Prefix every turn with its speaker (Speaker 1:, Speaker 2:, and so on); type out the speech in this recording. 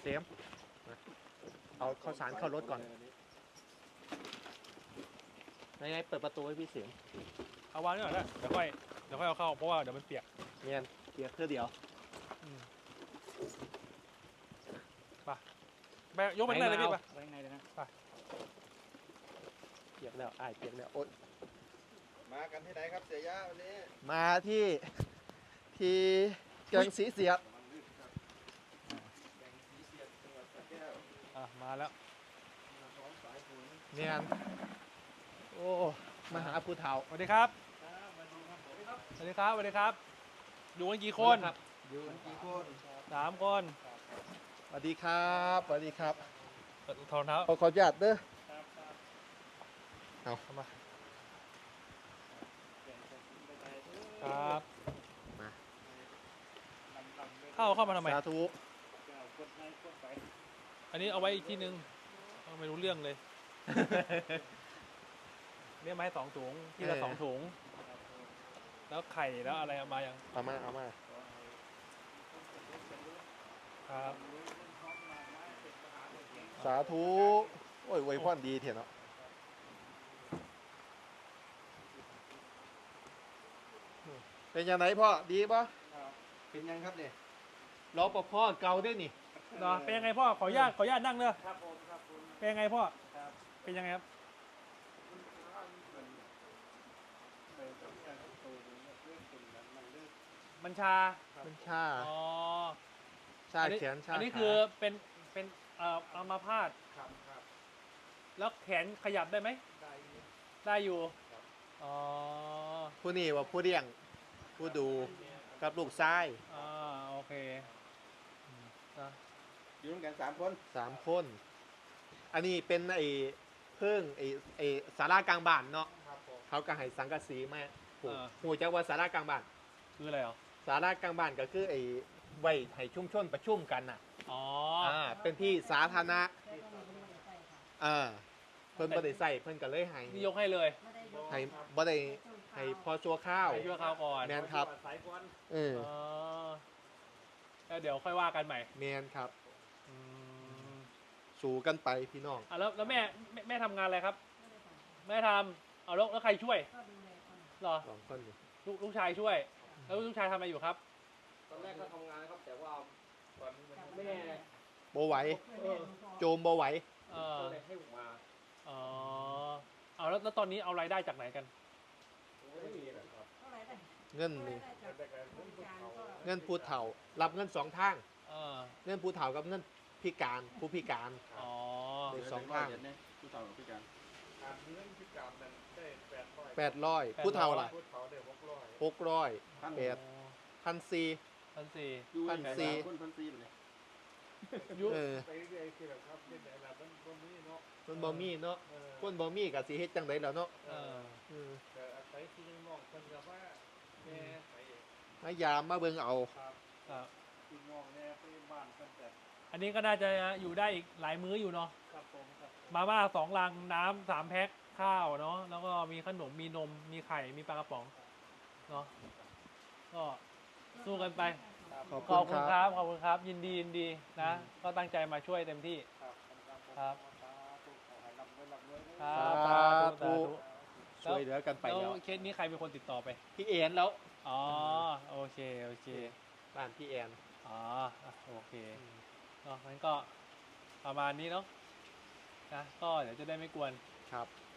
Speaker 1: มเอาข้าวสารเข้ารถก่อนยังไงเปิดประตูให้พี่เสียม
Speaker 2: เอาวางนี่ก่อนนะเดี๋ยวค่อยเอาเข้าเพราะว่าเดี๋ยวมันเปียก
Speaker 1: เนียนเปียกเพื่อเดียว
Speaker 2: ไปยกไปข้างในเลยพี่ไป
Speaker 3: ไว้ข้างในเลยนะ
Speaker 1: เปียกแล้วเปียกแล้วโอ๊ย
Speaker 4: มากันที่ไหนครับเสียยะวันนี้
Speaker 1: มาที่เกิงสีเสียด
Speaker 4: แบ่งสีเสียดจังหวัดสระแก้ว
Speaker 2: มาแล้ว
Speaker 4: พร้อมสายฝน
Speaker 1: เนียนโอ้มาหาผู้เฒ่า
Speaker 2: สวัสดีครับ
Speaker 4: ครับมาดูครับผมครับ
Speaker 2: สวัสดีครับสวัสดีครับอยู่กันกี่คน
Speaker 1: ครับ
Speaker 4: อยู่กี่คน
Speaker 2: 3 คน
Speaker 1: สวัสดีครับสวัสดีครับ
Speaker 2: ถอดเท้า
Speaker 1: ขออนุญาตเด้อ เอา
Speaker 2: เข้ามาครับเข้ามาทำไม
Speaker 1: สาธุ
Speaker 2: อันนี้เอาไว้อีกที่นึงไม่รู้เรื่องเลย เนี่ยมาให้2 ถุงที่ละ2 ถุงแล้วไข่แล้วอะไรเอามายัง
Speaker 1: เอามา
Speaker 2: ครับ
Speaker 1: สาธุโอ้ยไวยพรดีเถอะเนาะเป็นยังไงพ่อดีป่ะ
Speaker 4: เป็นยังครับเนี่ย
Speaker 1: รอปภเก่าด้วยนี่
Speaker 2: เนาะเป็นยังไงพ่อขออนุญาตนั่งเนอะ
Speaker 4: ครับผมครับผม
Speaker 2: เป็นยังไงพ่อ
Speaker 4: ครับ
Speaker 2: เป็นยังไงครับ มันชา
Speaker 1: มันชา
Speaker 2: อ๋อ
Speaker 1: ชาแขนชา
Speaker 2: อันนี้
Speaker 1: ขา
Speaker 2: คือเป็นอัมาพาต
Speaker 4: ครับครับ
Speaker 2: แล้วแขนขยับได้ไหม
Speaker 4: ได้อยู่
Speaker 2: ได้อยู่
Speaker 4: ครับ
Speaker 2: อ๋อ
Speaker 1: ผู้นี่ว่าผู้เลี้ยงผู้ดูกับลูกชาย
Speaker 2: โอเคนะ
Speaker 4: อยู่ด้วยกัน3 คน
Speaker 1: 3 คน อันนี้เป็นไอ้เพิ่งไอ้ศาลากลางบ้านเนาะ
Speaker 4: ครับผม
Speaker 1: เขาก็ให้สังกะสีมาหูจักว่าศาลากลางบ้าน
Speaker 2: คืออะไรเหรอ
Speaker 1: ศาลากลางบ้านก็คือไอ้ไว้ให้ชุมชนประชุมกันน่ะ
Speaker 2: อ๋อ
Speaker 1: เป็นที่สาธารณะเพิ่นบ่ได้ใส่เพิ่นก็เลยให้
Speaker 2: นี่ยกให้เลย
Speaker 1: ให้บ่ได้ให้พอชั่วข้าว
Speaker 2: ไปชั่วคราวก่อน
Speaker 1: แมนครับ
Speaker 4: สายฝน
Speaker 2: อ๋อแล้วเดี๋ยวค่อยว่ากันใหม่
Speaker 1: แมนครับ
Speaker 2: อืม
Speaker 1: สู่กันไปพี่น้อง
Speaker 2: แล้วแม่ทำงานอะไรครับ แม่ทำเอาแล้วใครช่วยเหรอ
Speaker 1: 2 คนนี่
Speaker 2: ลูกชายช่วย แล้วลูกชายทำอะไรอยู่ครับ
Speaker 4: ตอนแรกก็ทำงานนะครับแต่ว่าตอนแม่
Speaker 1: บ่ไหวโจมบ่ไหว
Speaker 4: ก็เลยให้ผมมา
Speaker 2: อ๋อเอาแล้วตอนนี้เอารายได้จากไหนกัน
Speaker 4: ไม่มีนะครับ
Speaker 1: เงินนี่
Speaker 4: แต่การเพิ่งเขา
Speaker 1: เงินผู้เฒ่า รับเงิน2 ทาง
Speaker 2: เออ
Speaker 1: เงินผู้เฒ่ากับเงินพิการผู้พิการ
Speaker 2: อ๋อ
Speaker 1: เด็ก 2 ทาง
Speaker 4: ผู้เฒ่าพิการการเงินพิการนั้นได้
Speaker 1: 800
Speaker 4: 800
Speaker 1: ผู้เฒ่าล่ะ
Speaker 4: ผู้เฒ่าได้600
Speaker 1: 600
Speaker 4: พัน
Speaker 1: 1,400
Speaker 2: 1,400
Speaker 4: อยู่
Speaker 1: 1,400
Speaker 4: คน1,400เลย
Speaker 2: ยุ
Speaker 4: ไปเรื่อยๆคือแบบครับเป็นอะไรแบบคนนี้เนาะ
Speaker 1: คนบ่มีเนาะคนบ่มีก็สิเฮ็ดจังไดแล้วเนาะ
Speaker 2: เออ
Speaker 4: แต่อาศัยที่น้องคนกับว่าแม่ไป
Speaker 1: มายามมาเบิ่งเอา
Speaker 4: ครับ
Speaker 2: ครับ
Speaker 4: พี่น้องแม่ไปบ้านเพิ่นแต่
Speaker 2: อันนี้ก็น่าจะอยู่ได้อีกหลายมื้ออยู่เนาะ
Speaker 4: ครับผมครับ
Speaker 2: มาม่า2 ลังน้ำ3 แพ็คข้าวเนาะแล้วก็มีขนมมีนมมีไข่มีปลากระป๋องเนาะก็สู้กันไป
Speaker 1: ขอบ
Speaker 2: ข
Speaker 1: คุ
Speaker 2: อบ
Speaker 1: ณ
Speaker 2: คุ
Speaker 1: ค
Speaker 2: ณ
Speaker 1: รับ
Speaker 2: ครับขอบคุณครับยินดีนะ ก็ตั้งใจมาช่วยเต็มที่
Speaker 4: ครับ
Speaker 2: ครับ
Speaker 4: สาธุขอให้ร่ำรวยร่ำรวย
Speaker 2: ครั
Speaker 1: สา
Speaker 2: บ
Speaker 1: ธุ ช่วยเหลือกันไป
Speaker 2: แล้ว
Speaker 1: แล้ว
Speaker 2: เคสนี้ใครเป็นคนติดต่อไป
Speaker 1: พี่แอนแล้ว
Speaker 2: อ๋อโอเค
Speaker 1: บ้านพี่แอน
Speaker 2: อ๋อโอเคเนาะงั้นก็ประมาณนี้เนาะนะก็เดี๋ยวจะได้ไม่กวน
Speaker 1: ครับ
Speaker 2: ค